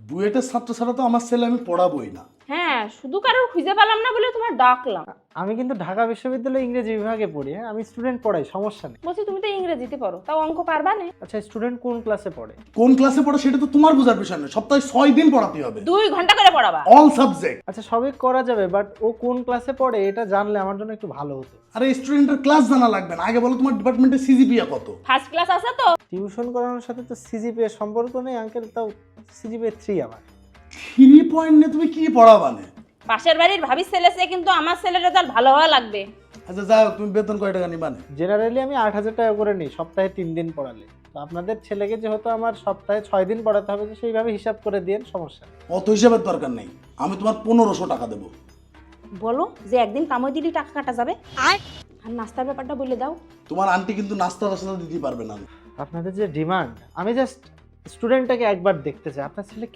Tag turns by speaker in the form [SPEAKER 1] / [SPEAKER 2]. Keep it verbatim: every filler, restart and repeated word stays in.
[SPEAKER 1] বুয়েটের ছাত্র ছাড়া তো আমার ছেলে আমি পড়াবোই না।
[SPEAKER 2] হ্যাঁ, শুধু কারোর খুঁজে পেলাম না বলে তোমার ডাকলাম।
[SPEAKER 3] আমি কিন্তু ঢাকা বিশ্ববিদ্যালয়ে ইংরেজি বিভাগে পড়ি। হ্যাঁ, আমি স্টুডেন্ট পড়াই, সমস্যা নেই।
[SPEAKER 2] বলছি তুমি তো ইংরেজিতে পড়ো, তাও অঙ্ক পারবা না?
[SPEAKER 3] আচ্ছা, স্টুডেন্ট কোন ক্লাসে পড়ে?
[SPEAKER 1] কোন ক্লাসে পড়ে সেটা তো তোমার বোঝার বিষয় নয়, সপ্তাহে ছয় দিন পড়াতে হবে,
[SPEAKER 2] দুই ঘন্টা করে পড়াবা।
[SPEAKER 1] All subject.
[SPEAKER 3] আচ্ছা, সবই করা যাবে, বাট ও কোন ক্লাসে পড়ে এটা জানলে আমার জন্য একটু ভালো হতো।
[SPEAKER 1] আরে স্টুডেন্টের ক্লাস জানা লাগবে না, আগে বলো তোমার ডিপার্টমেন্টে সিজিপিএ কত?
[SPEAKER 2] ফার্স্ট ক্লাস আছে তো?
[SPEAKER 3] টিউশন করানোর সাথে তো সিজিপিএ সম্পর্ক নেই আঙ্কেল, তাও সিজিপিএ থ্রি আমার।
[SPEAKER 1] থ্রি পয়েন্ট নিয়ে তুমি কি পড়াবানে?
[SPEAKER 2] পাশের বাড়ির ভাবির ছেলে সে, কিন্তু আমার ছেলের রেজাল্ট ভালো হওয়া লাগবে।
[SPEAKER 1] আচ্ছা যাও, তুমি বেতন কয় টাকা নিবানে?
[SPEAKER 3] জেনারেলি আমি আট হাজার টাকা করে নিই সপ্তাহে তিন দিন পড়ালে। তো আপনাদের ছেলেকে যেহেতু আমার সপ্তাহে ছয় দিন পড়াতে হবে, তো সেইভাবে হিসাব করে দিন, সমস্যা নেই।
[SPEAKER 1] অত হিসাবের দরকার নেই, আমি তোমার পনেরোশো টাকা দেবো।
[SPEAKER 2] বলো যে একদিন কামই দিলি টাকা কাটা যাবে। আর নাস্তার ব্যাপারটা বলে দাও।
[SPEAKER 1] তোমার আন্টি কিন্তু নাস্তা টাস্তা দিতে পারবে না।
[SPEAKER 3] আপনাদের যে ডিমান্ড, আমি জাস্ট স্টুডেন্টটাকে একবার দেখতে চাই। আপনার ছেলে